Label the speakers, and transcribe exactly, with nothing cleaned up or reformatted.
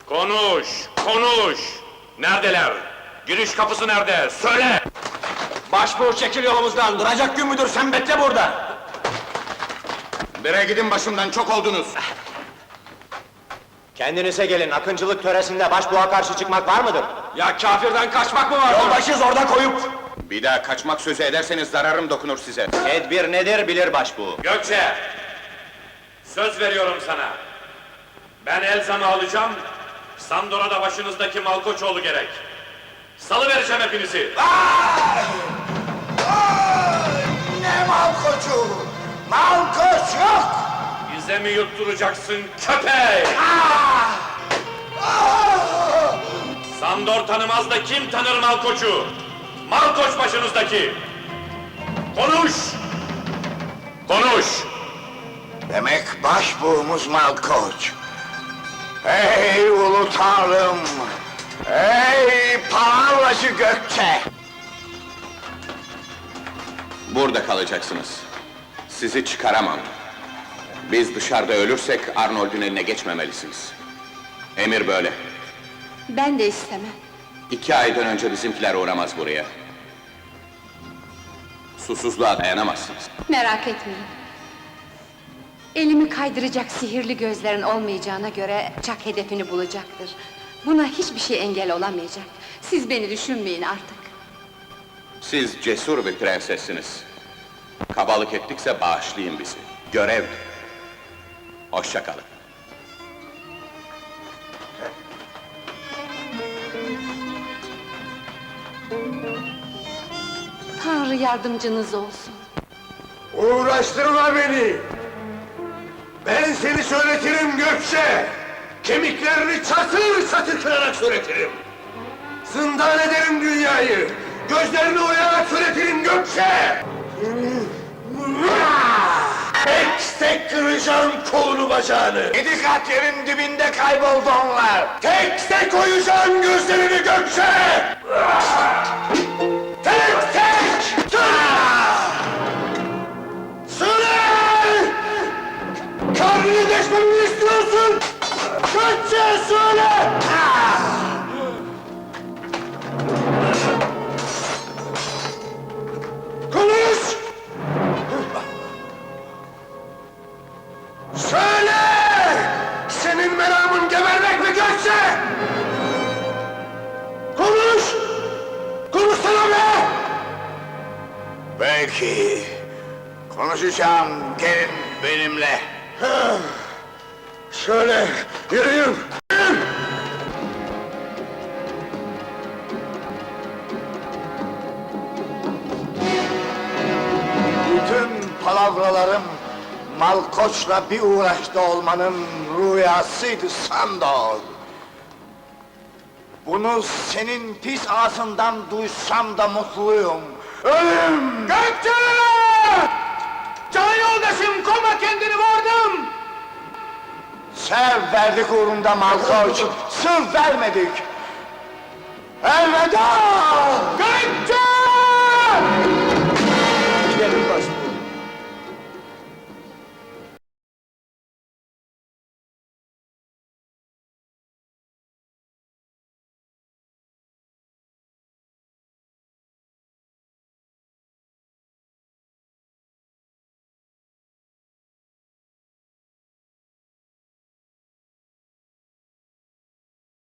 Speaker 1: Konuş, konuş! Neredeler? Giriş kapısı nerede? Söyle!
Speaker 2: Başbuğ çekil yolumuzdan, duracak gün müdür, sen bekle burada!
Speaker 3: Bire gidin başımdan, çok oldunuz!
Speaker 2: Kendinize gelin, akıncılık töresinde başbuğa karşı çıkmak var mıdır? Ya kafirden kaçmak mı var? Yoldaşız orada koyup!
Speaker 3: Bir daha kaçmak sözü ederseniz zararım dokunur size.
Speaker 2: Tedbir nedir bilir başbuğ.
Speaker 1: Gökçe! Söz veriyorum sana! Ben Elzam'ı alacağım, Sandora'da başınızdaki Malkoçoğlu gerek! Salıvereceğim hepinizi!
Speaker 4: Ay! Ay! Ne Malkoçu? Malkoç yok!
Speaker 1: Bize mi yutturacaksın köpek?
Speaker 4: Ah! Ah!
Speaker 1: Sandor tanımaz da kim tanır Malkoç'u? Malkoç başınızdaki! Konuş! Konuş!
Speaker 4: Demek başbuğumuz Malkoç. Ey ulu tanrım! Ey palavacı Gökçe!
Speaker 3: Burada kalacaksınız. Sizi çıkaramam. Biz dışarıda ölürsek Arnold'un eline geçmemelisiniz. Emir böyle.
Speaker 5: Ben de istemem.
Speaker 3: İki aydan önce bizimkiler uğramaz buraya. Susuzluğa dayanamazsınız.
Speaker 5: Merak etmeyin. Elimi kaydıracak sihirli gözlerin olmayacağına göre Çak hedefini bulacaktır. Buna hiçbir şey engel olamayacak. Siz beni düşünmeyin artık.
Speaker 3: Siz cesur bir prensessiniz. Kabalık ettikse bağışlayın bizi. Görev. Hoşça kalın.
Speaker 5: Tanrı yardımcınız olsun.
Speaker 4: Uğraştırma beni! Ben seni söyletirim Gökçe! Kemiklerini çatır çatır kırarak söyletirim! Zindan ederim dünyayı! Gözlerini oyarak söyletirim Gökçe! Tek tek kıracağım kolunu bacağını! Yedi kat yerin dibinde kayboldu onlar! Tek tek oyacağım gözlerini Gökçe! Tek tek! Söyle! Karnını deşmemi istiyorsun! Gökçe söyle! Konuş! Söyle! Senin meramın gebermek mi Gökçe? Konuş! Konuşsana be! Belki konuşacağım, gelin benimle. Şöyle, yürüyün! Bütün palavralarım Malkoç'la bir uğraşta olmanın rüyasıydı Sandor. Bunu senin pis ağzından duysam da mutluyum. Ölüm! Gökçe! Can yoldaşım, koma kendini, vurdum! Sev verdik uğrunda Malkoç, sır vermedik! Elveda! Gökçe!